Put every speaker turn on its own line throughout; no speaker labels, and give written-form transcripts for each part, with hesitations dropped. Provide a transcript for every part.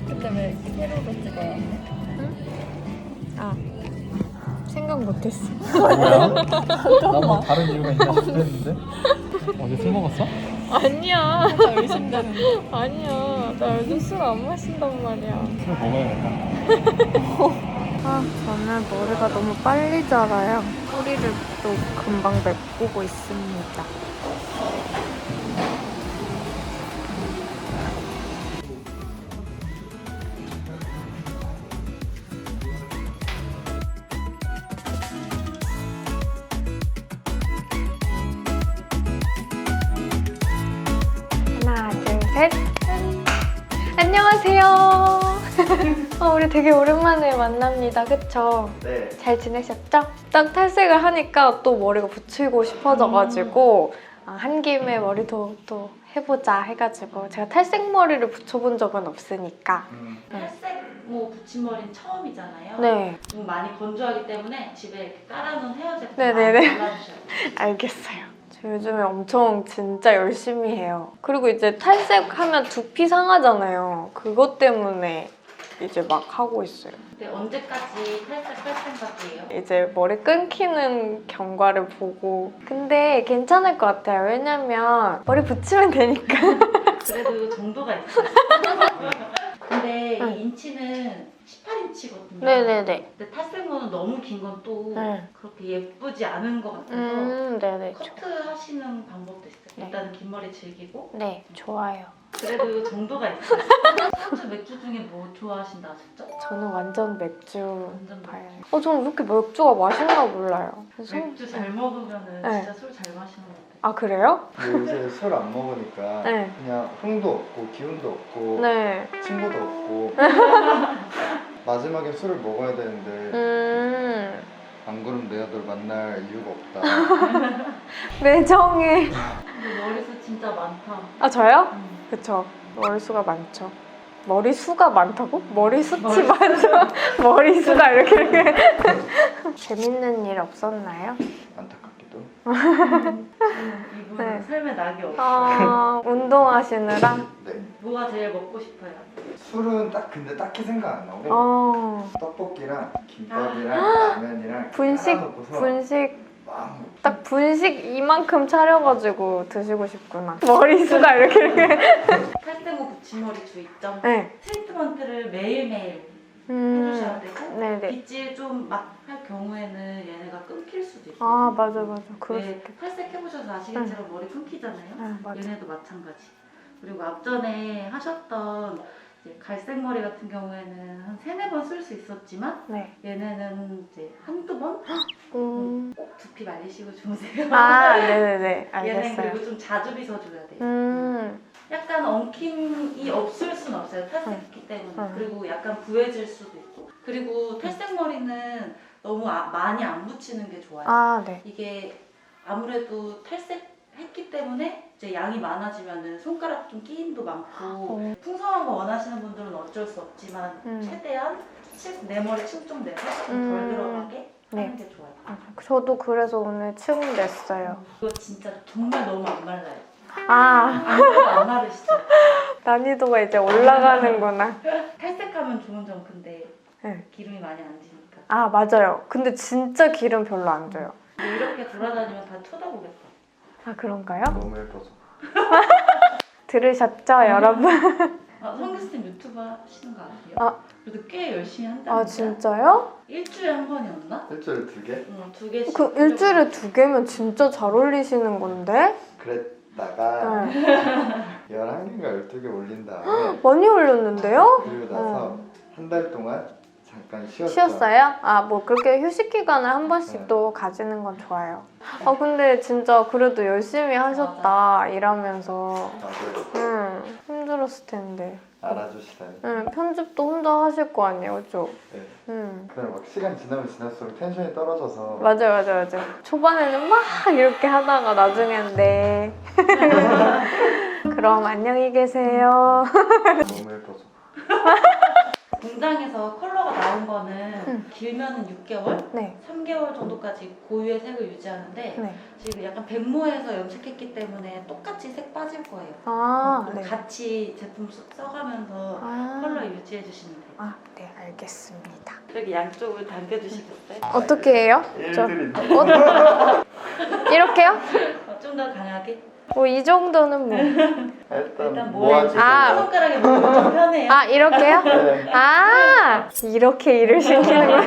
근데 왜 세로로 찍어야 해?
응? 아 생각 못했어.
뭐야? 나뭐 다른 이유가 있나 싶었는데? 어제 술 먹었어?
아니야.
살짝 의심되는데.
아니야. 나 요즘 술 안 마신단 말이야.
술 먹어야겠다.
아 저는 머리가 너무 빨리 자라요. 뿌리를 또 금방 메꾸고 있습니다. 하나, 둘, 셋. 안녕하세요. 우리 되게 오랜만에 만납니다. 그쵸?
네.
잘 지내셨죠? 딱 탈색을 하니까 또 머리가 붙이고 싶어져가지고 한 김에 머리도 또 해보자 해가지고 제가 탈색 머리를 붙여본 적은 없으니까
탈색 붙인 머리는 처음이잖아요.
네,
너무 많이 건조하기 때문에 집에 이렇게 깔아놓은 헤어 제품
네네네.
많이 발라주셔야 돼요.
알겠어요. 저 요즘에 엄청 진짜 열심히 해요. 그리고 이제 탈색하면 두피 상하잖아요. 그것 때문에 이제 막 하고 있어요.
근데 언제까지 탈색할 생각이에요?
이제 머리 끊기는 경과를 보고 근데 괜찮을 것 같아요. 왜냐면 머리 붙이면 되니까.
그래도 정도가 있어요. 근데
응.
이 인치는 18인치거든요.
네네네.
근데 탈색모는 너무 긴 건 또
응.
그렇게 예쁘지 않은 것 같아서
네네.
커트 하시는 방법도 있어요.
네.
일단은 긴 머리 즐기고
네, 좋아요.
그래도 정도가 있어요. 소주 맥주 중에 뭐 좋아하신다 하셨죠?
저는 완전 맥주
완전
봐요. 저는 이렇게 맥주가 맛있나 몰라요. 그래서
맥주 잘 먹으면은
네.
진짜 술 잘 마시는 것 같아요.
아, 그래요?
요새 술 안 먹으니까
네.
그냥 흥도 없고 기운도 없고
네.
친구도 없고 마지막에 술을 먹어야 되는데 안 그러면 내가 널 만날 이유가 없다.
매정해.
근데 머리숱 진짜 많다.
아, 저요? 그쵸. 머리수가 많죠. 머리수가 많다고? 머리숱이 많죠. 머리수가 이렇게. 재밌는 일 없었나요?
안타깝게도.
이분은
네.
삶에 낙이 없어.
운동하시느라?
네.
뭐가 제일 먹고 싶어요?
술은 근데 딱히 생각 안 나고 떡볶이랑 김밥이랑 라면이랑 깔아놓고서
분식.
막
딱 분식 이만큼 차려가지고 드시고 싶구나. 머리수가 이렇게.
탈색 후 붙임머리 주의점.
네.
트리트먼트를 매일매일 해주셔야 되고
네네.
빗질 좀 막 할 경우에는 얘네가 끊길 수도 있어요.
아, 맞아. 그럴 수
왜
있겠다.
탈색해보셔서 아시겠지만 머리 끊기잖아요.
네, 맞아.
얘네도 마찬가지. 그리고 앞전에 하셨던 이제 갈색 머리 같은 경우에는 한 3-4번 쓸 수 있었지만
네.
얘네는 이제 한두 번? 꼭 두피 말리시고 주무세요.
아, 네네네.
얘는
알겠어요.
그리고 좀 자주 빗어줘야 돼요. 약간 엉킴이 없을 순 없어요. 탈색했기 때문에. 그리고 약간 부해질 수도 있고. 그리고 탈색 머리는 너무 많이 안 붙이는 게 좋아요.
아, 네.
이게 아무래도 탈색했기 때문에 이제 양이 많아지면은 손가락 좀 끼임도 많고 풍성한 거 원하시는 분들은 어쩔 수 없지만 최대한 내 머리 층 좀 내서 좀 덜 들어가게 하는 게 좋아요.
저도 그래서 오늘 층 냈어요.
이거 진짜 정말 너무 안 말라요.
아,
안 마르시죠?
난이도가 이제 올라가는구나.
탈색하면 좋은 점 근데
네.
기름이 많이 안 지니까.
아, 맞아요. 근데 진짜 기름 별로 안 줘요.
근데 이렇게 돌아다니면 다 쳐다보겠다.
아, 그런가요?
너무 예뻐서.
들으셨죠, 여러분?
성 교수님 유튜브 하시는 거 아세요?
아.
그래도 꽤 열심히 한다는데.
아, 진짜요?
일주일에 한 번이었나?
일주일에 2개?
응, 2개씩.
그 일주일에 2개면 진짜 잘 어울리시는 건데?
그랬다가
네.
11개인가 12개 올린 다음에
많이 올렸는데요?
그리고 나서 한 달 동안 잠깐 쉬었죠.
쉬었어요? 아, 뭐 그렇게 휴식 기간을 한 번씩
네.
또 가지는 건 좋아요. 아, 근데 진짜 그래도 열심히 하셨다, 일하면서.
맞아요.
힘들었을 텐데.
알아주시다니.
편집도 혼자 하실 거 아니에요, 그죠?
네.
응.
그냥 막 시간 지나면 지날수록 텐션이 떨어져서
맞아요. 초반에는 막 이렇게 하다가 나중에는 네. 그럼 안녕히 계세요.
너무 예뻐서.
공장에서 컬러가 나온 거는 길면은 6개월,
네.
3개월 정도까지 고유의 색을 유지하는데
네.
지금 약간 백모에서 염색했기 때문에 똑같이 색 빠질 거예요.
아, 네.
같이 제품 써가면서 컬러 유지해 주시면 돼요.
아, 네, 알겠습니다.
여기 양쪽을 당겨주시겠어요?
어떻게 해요?
일들이
이렇게요?
좀 더 강하게?
뭐 이 정도는 뭐.
일단
모아주세요.
아.
손가락에 모으면 좀 편해요.
아, 이렇게요?
네.
아, 이렇게 일을 시키는 거야.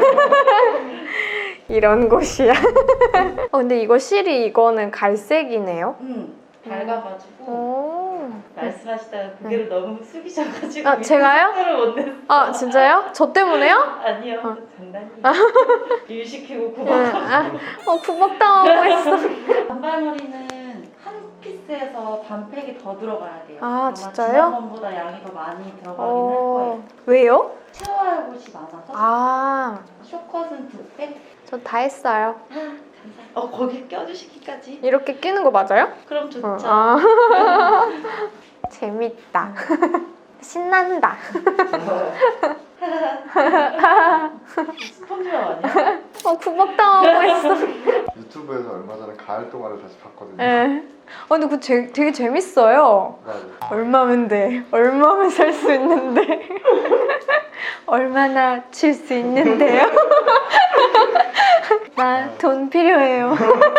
이런 곳이야. 근데 이거 실이 이거는 갈색이네요.
밝아가지고
오.
말씀하시다가 고개를 너무 숙이셔가지고
아, 제가요?
속도를 못 냈어.
아, 진짜요? 저 때문에요?
아니요,
어.
장난이에요. 일 시키고 구박.
아, 구박당하고 있어.
단발머리는 한 피스에서 반팩이 더 들어가야 돼요.
아,
아마
진짜요?
지난번보다 양이 더 많이 들어가긴 할 거예요.
왜요?
채워야 할 곳이 많아서.
아,
쇼컷은 2팩.
저 다 했어요.
감사합니다. 거기 껴주시기까지.
이렇게 끼는 거 맞아요?
그럼 좋죠.
아. 재밌다. 신난다.
스펀지밥 아니야?
구박당하고 있어.
유튜브에서 얼마 전에 가을 동화를 다시 봤거든요.
네. 근데 그거 되게 재밌어요.
맞아요.
얼마면 돼? 얼마면 살 수 있는데? 얼마나 칠 수 있는데요? 나 돈 필요해요.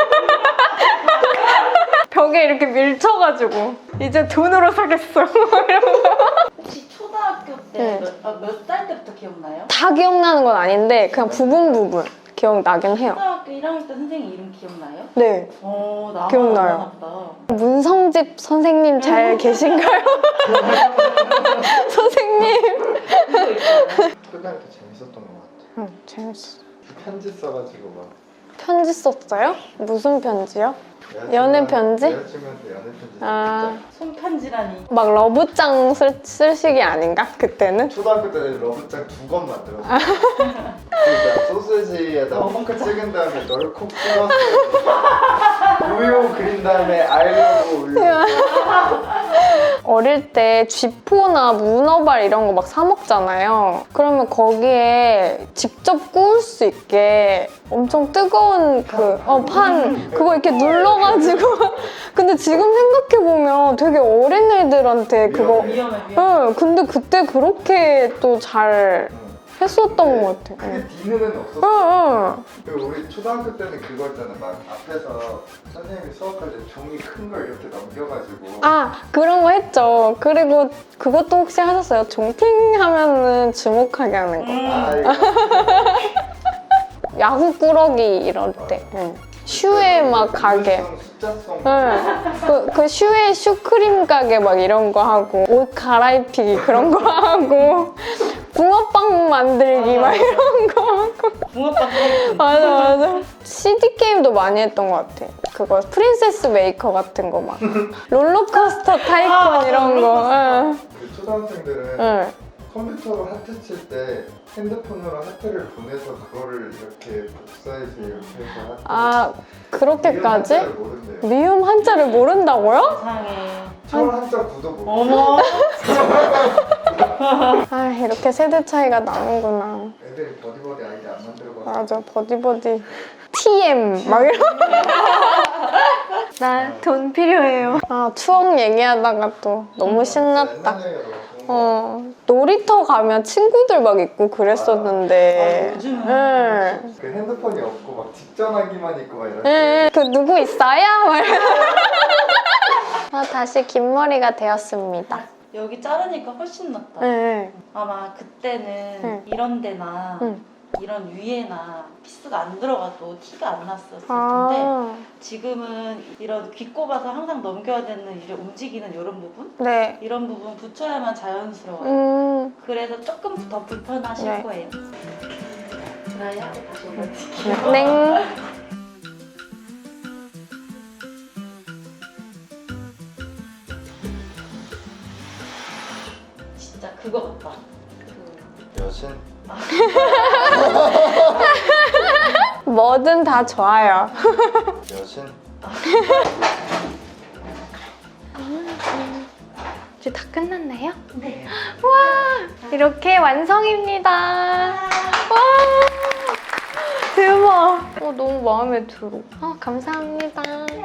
벽에 이렇게 밀쳐가지고 이제 돈으로 사겠어.
혹시 초등학교
네.
때 몇 살 때부터 기억나요?
다 기억나는 건 아닌데 그냥 부분 기억나긴 해요.
초등학교 1학년 때 선생님 이름 기억나요?
네.
나만
기억나요.
안 나나 보다.
문성집 선생님 잘 계신가요? 선생님.
그거 있잖아요.
초등학교 때 재밌었던 것 같아.
응, 재밌어.
편지 써가지고 막
편지 썼어요? 무슨 편지요? 연애 편지?
여자친구한테 연애 편지
아,
손편지라니.
막 러브장 쓸 시기 아닌가? 그때는?
초등학교 때 러브장 2권 만들었어. 그러니까 소시지에다 펑크 찍은 다음에 너를 콕 찍었어. 우유 그린 다음에 아이러브 우유.
어릴 때 쥐포나 문어발 이런 거 막 사 먹잖아요. 그러면 거기에 직접 구울 수 있게 엄청 뜨거운 판 그거 이렇게 눌러가지고 근데 지금 생각해보면 되게 어린 애들한테 그거
위험해.
응, 근데 그때 그렇게 또 잘 했었던 것 같아.
크게 뒤는 없었어.
응.
그리고 우리 초등학교 때는 그거 있잖아. 막 앞에서 선생님이 수업할 때 종이 큰 걸 이렇게 넘겨가지고.
아, 그런 거 했죠. 그리고 그것도 혹시 하셨어요? 종팅 하면은 주목하게 하는 거.
아 이거.
야구 꾸러기 이럴 때. 응. 슈에 막 가게.
숫자성.
응. 그 슈에 슈크림 가게 막 이런 거 하고 옷 갈아입히기 그런 거 하고 붕어빵 만들기 막 이런 거 하고
붕어빵.
맞아. CD 게임도 많이 했던 것 같아. 그거 프린세스 메이커 같은 거 막 롤러코스터 타이콘 이런 거. 응.
그 초등학생들은
응.
컴퓨터로 하트 칠 때 핸드폰으로 하트를 보내서 그거를 이렇게 복사해서 이렇게 해서 하트.
아, 그렇게까지?
한자를 모른대요.
미음 한자를 모른다고요?
이상해.
철 한자 구도 모르고.
어머.
아, 이렇게 세대 차이가 나는구나.
애들이 버디버디 아이디 안 만들고.
맞아, 버디버디. TM 막 이런. 나 돈 필요해요. 아, 추억 얘기하다가 또 너무 신났다. 놀이터 가면 친구들 막 있고 그랬었는데.
아, 요즘은
응.
그 핸드폰이 없고 막 직전화기만 있고 막 이럴
응,
때.
그 누구 있어요? 막 이러면서. 다시 긴 머리가 되었습니다.
여기 자르니까 훨씬 낫다.
네.
아마 그때는
응.
이런 데나
응.
이런 위에나 피스가 안 들어가도 티가 안 났었을 텐데
아,
지금은 이런 귀 꼽아서 항상 넘겨야 되는 이제 움직이는 이런 부분?
네.
이런 부분 붙여야만 자연스러워요. 그래서 조금 더 불편하실
네.
거예요. 드라이하고 다시 올려드릴게요.
땡.
진짜 그거 같다.
여신.
뭐든 다 좋아요.
여신.
이제 다 끝났나요?
네.
와, 이렇게 완성입니다. 와. 너무 마음에 들어. 감사합니다.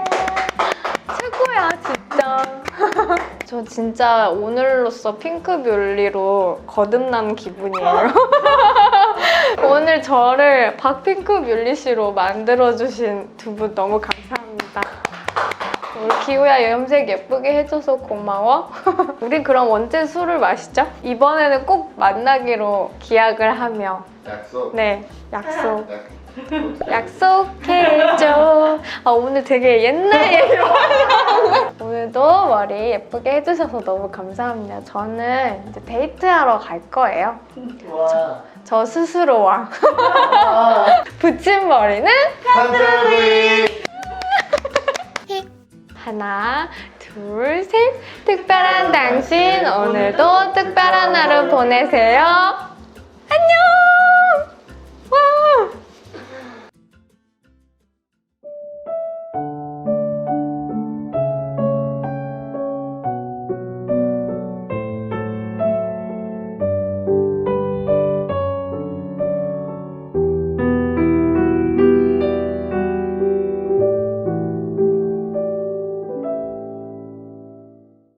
최고야 진짜. 저 진짜 오늘로써 핑크뮬리로 거듭난 기분이에요. 오늘 저를 박핑크뮬리 씨로 만들어주신 두 분 너무 감사합니다. 우리 기우야 염색 예쁘게 해줘서 고마워. 우리 그럼 언제 술을 마시죠? 이번에는 꼭 만나기로 기약을 하며.
약속.
네, 약속.
약-
약속해줘. 오늘 되게 옛날 얘기로 오늘도 머리 예쁘게 해주셔서 너무 감사합니다. 저는 이제 데이트하러 갈 거예요.
와.
저 스스로와. 붙인 머리는
한들리.
하나, 둘, 셋. 특별한 당신, 오늘도 특별한 하루 보내세요. 안녕!